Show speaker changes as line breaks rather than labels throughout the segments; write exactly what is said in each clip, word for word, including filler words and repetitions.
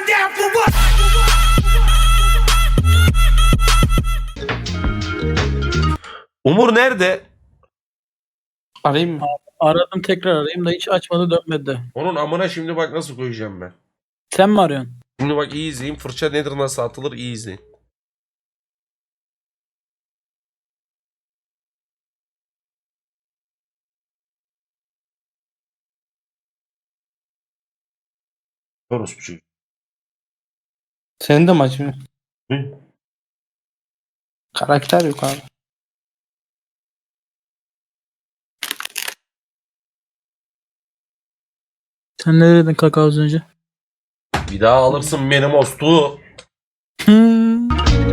Umur nerede?
Arayayım mı?
Aradım, tekrar arayayım da hiç açmadı, dönmedi.
Onun amına şimdi bak nasıl koyacağım ben.
Sen mi arıyorsun?
Şimdi bak iyi izleyin. Fırça nedir, nasıl atılır, iyi izleyin. Orospu çocuğu.
Senin de mi açmıyor?
Hı?
Karakter yok abi.
Sen ne dedin kaka az önce?
Bir daha alırsın benim ostu.
Hmm.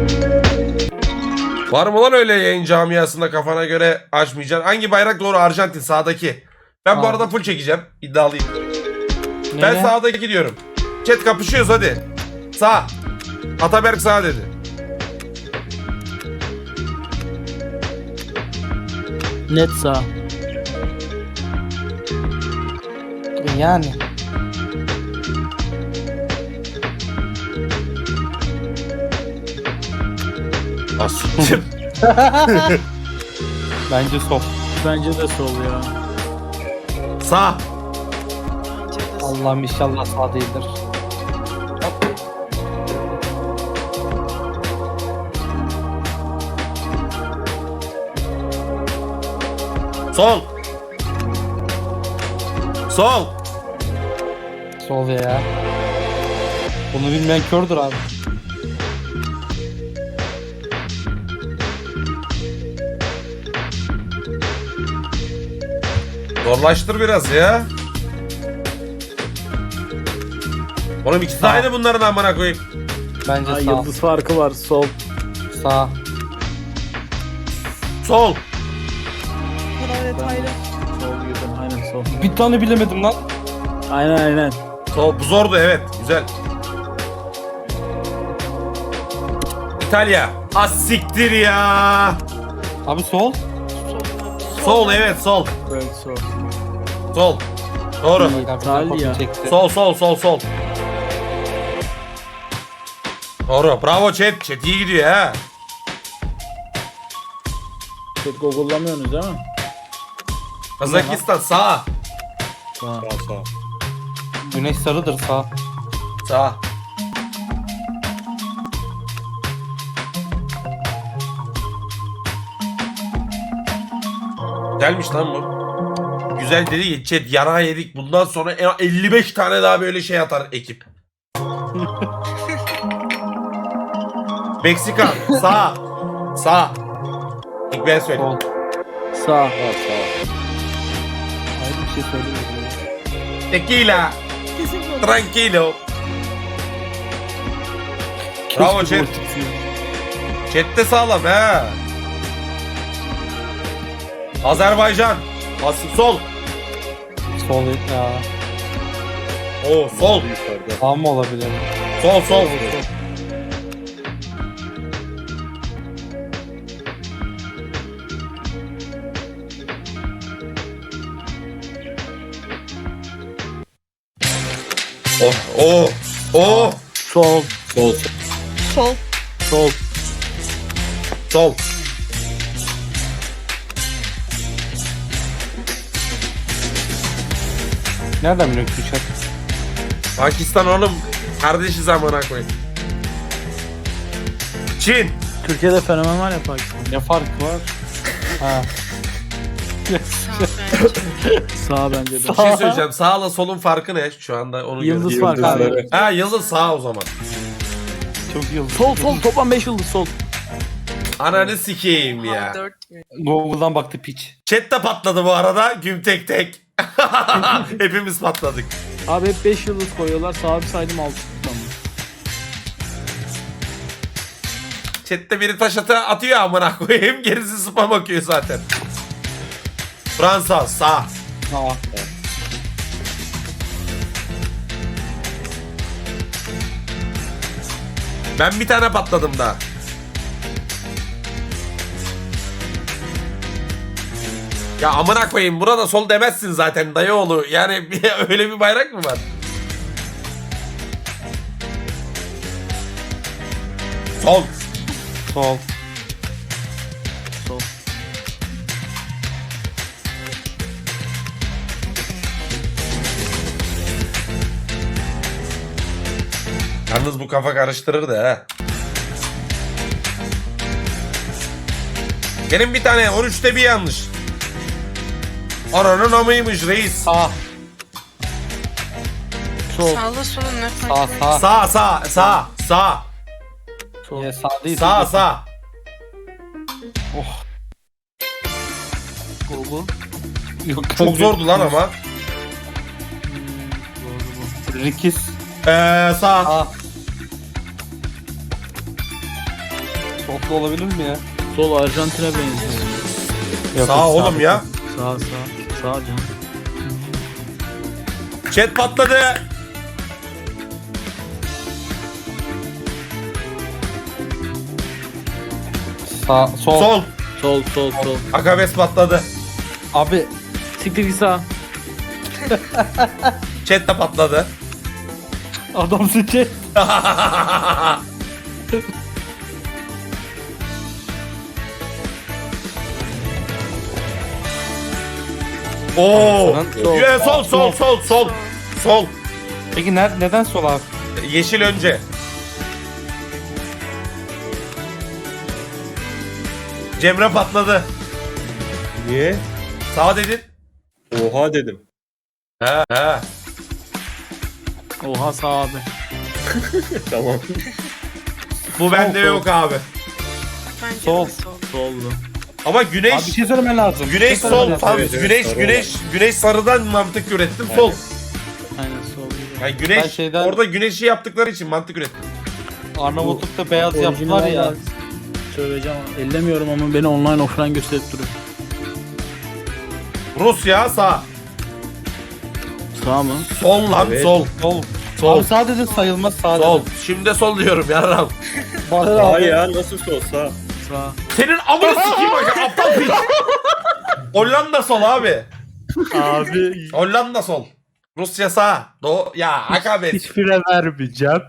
Var mı lan öyle yayın camiasında kafana göre açmayacaksın? Hangi bayrak doğru? Arjantin sağdaki. Ben bu
Aa.
arada full çekeceğim. İddialıyım. Ben
Nereye?
sağdaki diyorum. Chat kapışıyoruz hadi. Sağ. Ataberk sağ dedi.
Net sağ.
Yani.
Asiktir.
Bence sol.
Bence de sol ya.
Sağ.
Allah'ım inşallah sağ değildir.
Sol. Sol.
Sol ya. Bunu bilmeyen kördür abi.
Zorlaştır biraz ya. Oğlum ikisi de aynı bunların amına koyayım.
Bence
Aa,
sağ.
yıldız farkı var, sol.
Sağ.
Sol.
Sol girdim, aynen sol.
Bir tane bilemedim lan.
Aynen aynen.
Sol. Bu zordu evet. Güzel. İtalya. Az siktir ya.
Abi sol.
Sol evet sol.
Evet sol.
Sol. Doğru.
İyi, abi,
İtalya.
kopya çekti.
Sol sol sol sol. Doğru. Bravo chat. Chat iyi gidiyor ha.
Chat google'lamıyorsunuz değil mi?
Kazakistan sağ.
Sağ.
Güneş sarıdır sağ.
Sağ. Gelmiş lan bu. Güzel dedi ki chat yara yedik. Bundan sonra en- elli beş tane daha böyle şey atar ekip. Meksika sağ. Sağ. İlk ben söyleyeyim.
Sol.
Sağ.
Ayrı bir şey söylemiyorum.
Tequila. Tranquilo. Bravo chat. Chat'te sağlam he. Azerbaycan. Asıl sol.
Sol ya.
Oo sol.
Sağ mı olabilir?
Sol sol. Oh oh oh.
Sol.
Sol.
Sol.
Sol.
Sol.
Nereden biliyorsun Kürşat?
Pakistan oğlum. Kardeşi zamana koy. Çin.
Türkiye'de fenomen var ya Pakistan.
Ne farkı var? Ha.
Sağ bence de.
Bir şey söyleyeceğim. Sağla solun farkı ne? Şu anda onu
Yıldız
görüyorum.
farkı abi.
Yıldızları.
Ha yıldız sağ o zaman.
Çok yıldız.
Sol sol, toplam beş yıldız sol.
Ananı sikeyim ya.
Google'dan baktı piç.
Chat de patladı bu arada. Güm tek tek. Hepimiz patladık.
Abi hep beş yıldız koyuyorlar. Sağa bir saydım altı. Tamam.
Chat'te biri taş atı atıyor amına koyayım. Gerisi spam akıyor zaten. Fransa sağ.
Ha.
Ben bir tane patladım daha. Ya amına koyayım burada sol demezsin zaten dayıoğlu. Yani bir, öyle bir bayrak mı var? Sol.
Sol.
Sol.
Yalnız bu kafa karıştırır da ha. Benim bir tane on üçte bir yanlış. Ananın amıymış reis.
Sağ.
Sol.
Sağla solun ne fark
Sağ
var?
sağ.
Sağ sağ sağ sağ.
Sol.
Ya, sağ değil.
Sağ sağ.
Oh. Google. Yok,
Çok zordu lan ama.
Rikiz.
Ee, sağ.
Sağ. Solda olabilir mi ya?
Sol Arjantin'e benziyor.
Yok,
Sağ oğlum ya.
Sağ sağ. Sağ canım.
Chat patladı.
Sağ. Sol.
Sol.
Sol sol sol.
Akabes patladı.
Abi.
Siktir git sağ.
Chat de patladı.
Adam sıçı.
Oo.
Sol.
Ye, sol sol sol sol. Sol.
Peki ne, neden sol abi?
Yeşil önce. Cemre patladı.
Niye?
Sağ dedin.
Oha dedim.
He he.
Oha sağ abi.
Tamam.
Bu bende
sol.
yok abi.
Bence
Sol.
de sol.
Soldu.
Ama güneş
Abi bir şey söylemen lazım. Bir
güneş
şey söylemen
sol.
lazım.
Tamam,
Evet, evet,
güneş
sarı
güneş güneş sarıdan mantık ürettim. Sol.
Aynen sol.
Yani
Ben
güneş
şeyden-
orada güneşi yaptıkları için mantık ürettim.
Arnavutluk'ta beyaz yaptılar
Orijinal
ya.
var. Söyleyeceğim ama ellemiyorum ama beni online offline gösterip duruyor.
Rusya sağ.
Sağ mı?
Sol lan
Evet.
sol.
Sol.
Sol.
Abi sağ dedin sayılmaz sağ
Sol.
dedin.
Şimdi de sol diyorum yarram.
Bana
Sağ
abi.
ya nasıl solsa?
Sağ.
Senin amını sikeyim bak aptal piç. Hollanda sol abi.
Abi
Hollanda sol. Rusya sağ. Doğu ya akabet.
hiç fire vermeyeceğim.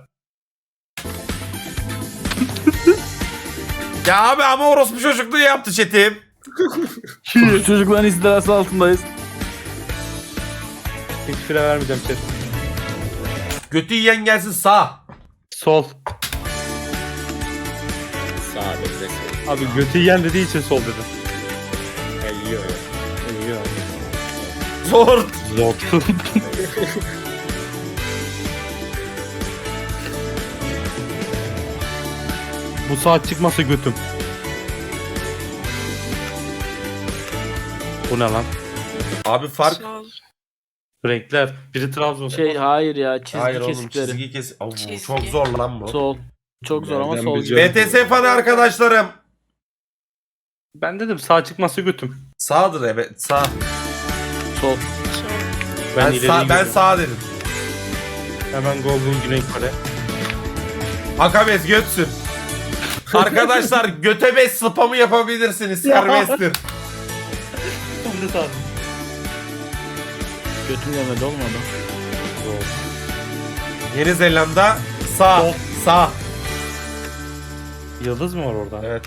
Ya abi ama orospu çocukluğu yaptı chatim.
Çocukların istilası altındayız.
Hiç fire vermeyeceğim chat.
Götü yiyen gelsin sağ.
Sol.
Sağ dedi. Abi götü yiyen dediği için sol dedim. Ya yiyor ya. Ya yiyor abi.
Zor.
Zor. Bu saat çıkmasa götüm. Bu ne lan?
Abi fark.
Sol.
Renkler. Biri Trabzon.
Şey hayır ya çizgi
Hayır oğlum
kesikleri.
çizgi kes. Oo,
Çizgi.
çok zor lan bu.
Sol. Çok zor ama
Nereden
sol.
bileceğim?
B T S fanı arkadaşlarım.
Ben dedim sağ çıkmasa götüm.
Sağdır evet sağ.
Sol.
Sol.
Ben,
ileri
sağ, ben
gidiyorum.
sağ dedim.
Hemen Google Güney Kore.
Akabes götsün. Arkadaşlar göte beş spamı yapabilirsiniz serbesttir.
Ben de sağ dedim.
Götüm yemedi olmadı.
Yeni Zelanda sağ.
Sol.
Sağ.
Yıldız mı var orada?
Evet.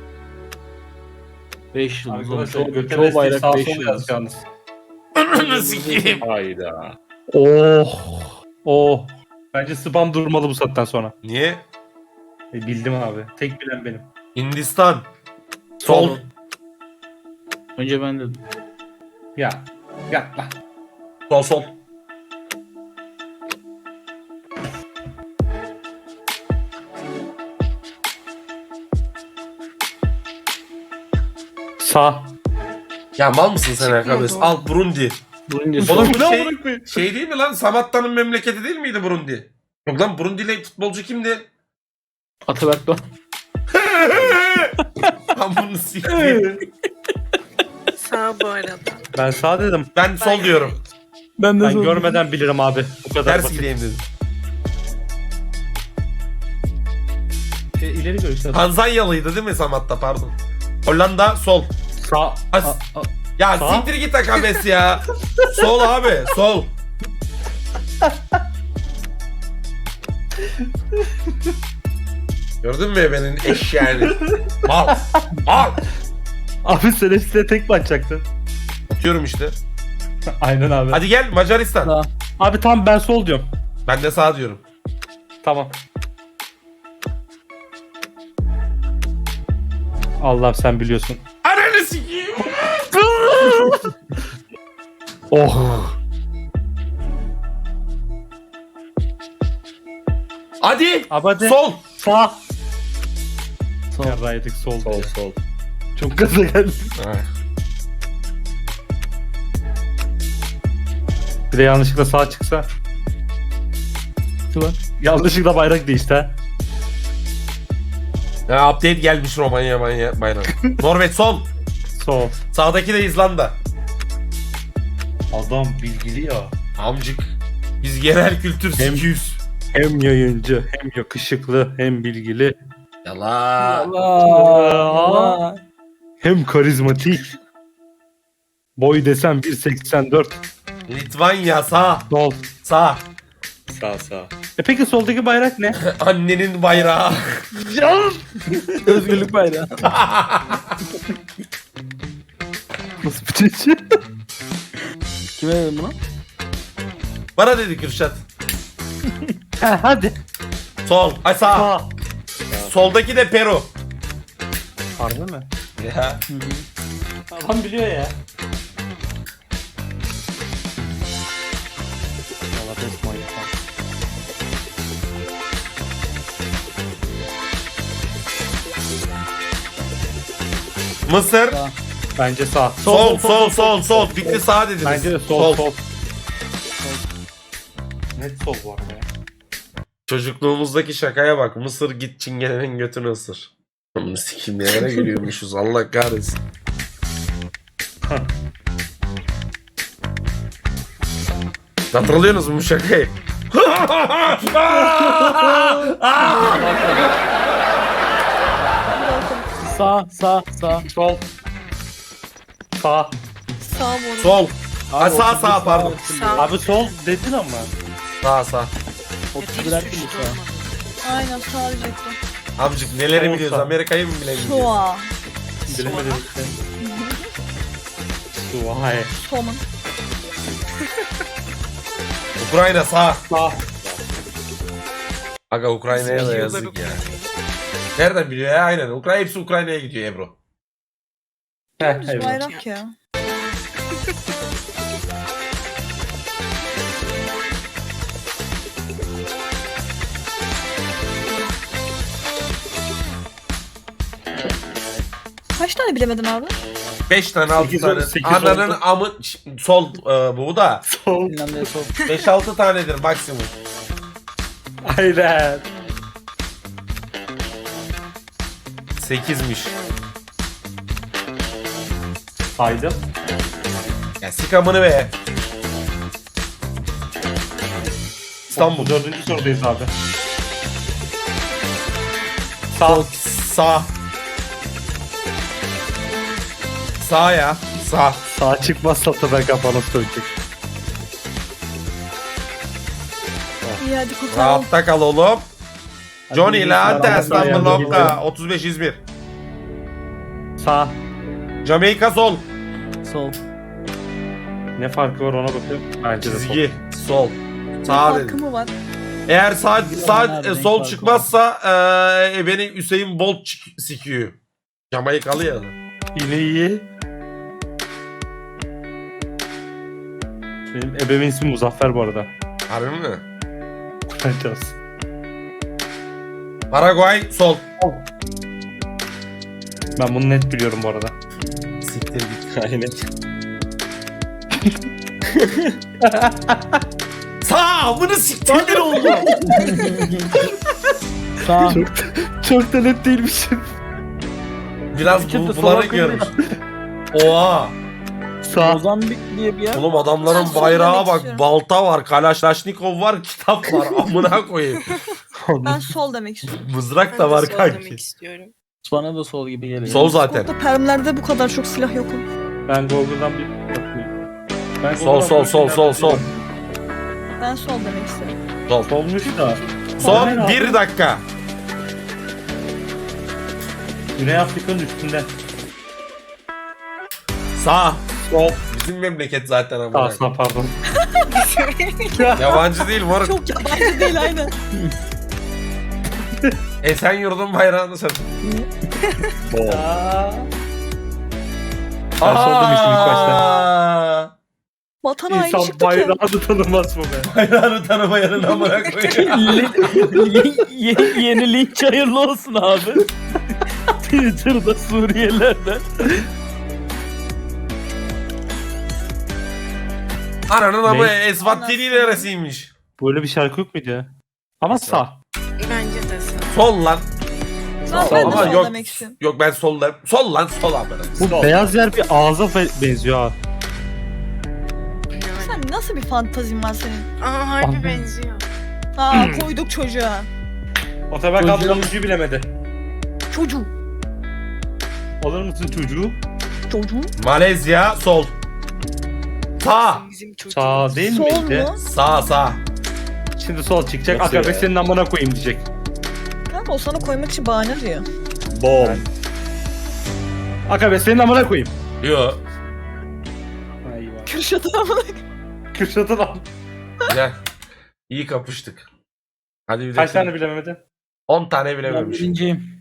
beş yıldız. Oğlum,
Arkadaşlar
Çoğu,
göte
çoğu
besti
bayrak
sağ
beş
sol
yıldız.
yaz yalnız.
Ananı sikeyim.
Hayda.
Oh. Oh. Bence spam durmalı bu saatten sonra.
Niye?
E, bildim abi. Tek bilen benim.
Hindistan. Sol.
Önce ben dedim.
Ya. Yapma.
Sol sol.
Sağ.
Ya mal mısın sen
Çıkmadı
Akabes?
o.
Al Burundi.
Burundi sol.
Oğlum bu
ne
şey,
amına koyayım?
şey değil mi lan? Samatta'nın memleketi değil miydi Burundi? Yok lan Burundi ile futbolcu kimdi?
Atabek Doğan.
Ben bunu sikeyim.
Sağ bu arada.
Ben sağ dedim.
Ben sol diyorum.
Ben de
Ben
sol.
görmeden bilirim abi. Bu kadar
Ters
basit.
gideyim dedim.
E, ileri gör işte.
Tanzanyalıydı değil mi Samatta pardon. Hollanda sol.
Sağ.
As-
A- a-
Ya
Sağ.
siktir git Akabes ya. Sol abi sol. Gördün mü benim eşeğini? Mal. Mal.
Abi sen hepsine tek mi atacaktın?
Atıyorum işte.
Aynen abi.
Hadi gel Macaristan.
Sağ.
Abi tamam ben sol diyorum.
Ben de sağ diyorum.
Tamam. Allah'ım sen biliyorsun.
Ananı sikeyim.
Oh.
Hadi.
Abi hadi.
Sol.
Sağ.
Sol.
Yarraydık sol.
Sol
diye.
sol.
Çok gaza geldi. Bir de yanlışlıkla sağ çıksa.
Şu var.
Yanlışlıkla bayrak değişti ha.
Ya update gelmiş Romanya manya bayrağı. Norveç sol.
Sol.
Sağdaki de İzlanda.
Adam bilgili ya.
Amcık. Biz genel kültür
Hem-
sekiz.
Hem yayıncı, hem yakışıklı, hem bilgili,
Yala.
Allah.
hem karizmatik. Boy desen bir seksen dört.
Litvanya sağ.
Sol.
Sağ.
Sağ sağ.
E peki soldaki bayrak ne?
Annenin bayrağı.
Özgürlük bayrağı.
Nasıl bir şey?
Kime dedim bunu?
Bana dedi Kürşat.
Ha, hadi.
Sol. Ay sağ.
Sağ.
Soldaki de Peru.
Harbi mi?
Ya.
Adam biliyor ya. Valla pes manyak.
Mısır.
Sağ.
Bence sağ.
Sol sol sol sol. Bitti sağ dediniz.
Bence de sol sol. Net sol bu arada ya.
Çocukluğumuzdaki şakaya bak. Mısır git çingenenin götünü ısır. Amına sikeyim nelere gülüyormuşuz. Allah kahretsin. Hatırlıyorsunuz mu bu şakayı?
Sağ, sağ, sağ.
Sol. Sağ.
Sağ boru.
Sol. Ha,
Abi,
sağ
otuz bir
sağ pardon.
otuz bir.
Sağ.
Abi sol dedin ama.
Sağ sağ.
otuz bir erken mi sağ?
Aynen sağ diyecektim.
Amcık neleri
Sol
biliyoruz
sağ.
Amerika'yı mı bilemiyoruz?
Soğa.
Bilemedim işte. Vay.
Soğman.
Ukrayna sağ.
Sağ.
Aga Ukrayna'ya da yazık ya. Nereden biliyor ya? Aynen. Ukrayna hepsi Ukrayna'ya gidiyor Ebru.
Heh,
Düz
evet.
bayrak ya. Kaç tane bilemedin abi?
beş tane altı
Sekiz
tane.
oldu, sekiz
Ananın
oldu.
amı Ş- sol e, bu da
Sol.
Finlandiya sol.
beş altı tanedir maksimum.
Aynen.
sekizmiş.
Saydım.
Ya sikamını be. İstanbul.
Dördüncü sorudayız abi. Sağ.
Sağ. Sağ ya. Sağ.
Sağ çıkmazsa da kafana söyleyecek.
İyi hadi kurtaralım.
Rahatta kal oğlum. Johnny
Hadi
la
İngiltere,
Ata İstanbul
Almanya,
nokta otuz beş İzmir.
Sağ.
Jamaika sol.
Sol.
Ne farkı var ona bakıyorum. Bence de sol.
Çizgi. Sol.
Ne
Sağ
farkı
dedim.
mı var?
Eğer sağ, sağ
Nerede,
e,
ne
sol
farkı
çıkmazsa e, beni Hüseyin Bolt çık- sikiyor. Jamaikalı ya.
Yine iyi. Benim ebeveyn ismim Muzaffer bu arada.
Harbi mi?
Açacağız.
Paraguay sol.
Ben bunu net biliyorum bu arada.
Siktir git.
Aynen.
Sağ bunu siktir oğlum.
Sağ.
Çok, çok da net değilmişim.
Biraz
Küçük de
bu,
sola
bulanık
koyuyor.
görmüş. Oha.
Sağ.
Mozambik diye bir yer.
Oğlum adamların
Ben sol
bayrağı
demek
bak.
istiyorum.
Balta var, Kalaşnikov var, kitap var. Amına koyayım.
Ben sol demek istiyorum.
Mızrak
Ben
da
de
var
sol
kanki.
demek istiyorum.
Bana da sol gibi geliyor.
Sol zaten.
Orada permlerde bu kadar çok silah yok.
Ben Google'dan bir bakayım. Ben
Sol
Google'dan
sol sol
bir-
sol sol.
Ben sol demek istedim.
Sol.
Solmuş da.
Son
Aynen abi.
bir dakika.
Güney Afrika'nın üstünde.
Sağ.
Sol.
Bizim memleket zaten ama.
Aslında pardon.
Yabancı değil moruk.
Çok yabancı değil aynen.
Esenyurt'un bayrağını sat.
Aa. Ben sol demiştim ilk başta.
Vatan haini
İnsan
çıktı ki.
bayrağını tanımaz mı be?
Bayrağını tanımayanın amına koyayım.
Yeni, yeni linç hayırlı olsun abi. Twitter'da Suriyelilerden.
Ananın ama
Ne?
Esvatiri neresiymiş?
Böyle bir şarkı yok muydu ya? Ama sağ.
Bence de sağ.
Sol lan.
Ben, ben de
Ama
sol
yok.
demek istiyorum.
Yok ben sol der. Sol lan sol abi.
Bu
Sol.
beyaz yer bir ağza fe- benziyor ha.
Yani.
Sen nasıl bir fantazin var senin?
Aa harbi
Anladım.
benziyor.
Aa koyduk çocuğa.
Otoban
Çocuğum.
kaplamıcıyı bilemedi.
Çocuğu.
Alır mısın çocuğu?
Çocuğu.
Malezya sol. Sağ.
Bizim çocuğumuz.
Sağ değil
Sol
miydi?
mu?
Sağ sağ.
Şimdi sol çıkacak.
Nasıl
Akabe
ya?
senin amına koyayım diyecek.
Kanka o sana koymak için bahane diyor.
Bom.
Akabe senin amına koyayım.
Yo.
Eyvah.
Kürşat'ın amına.
Kürşat'ın al.
Güzel. İyi kapıştık. Hadi bir de
Kaç tane bilemedin?
on tane
Ben
bilememiş.
birinciyim.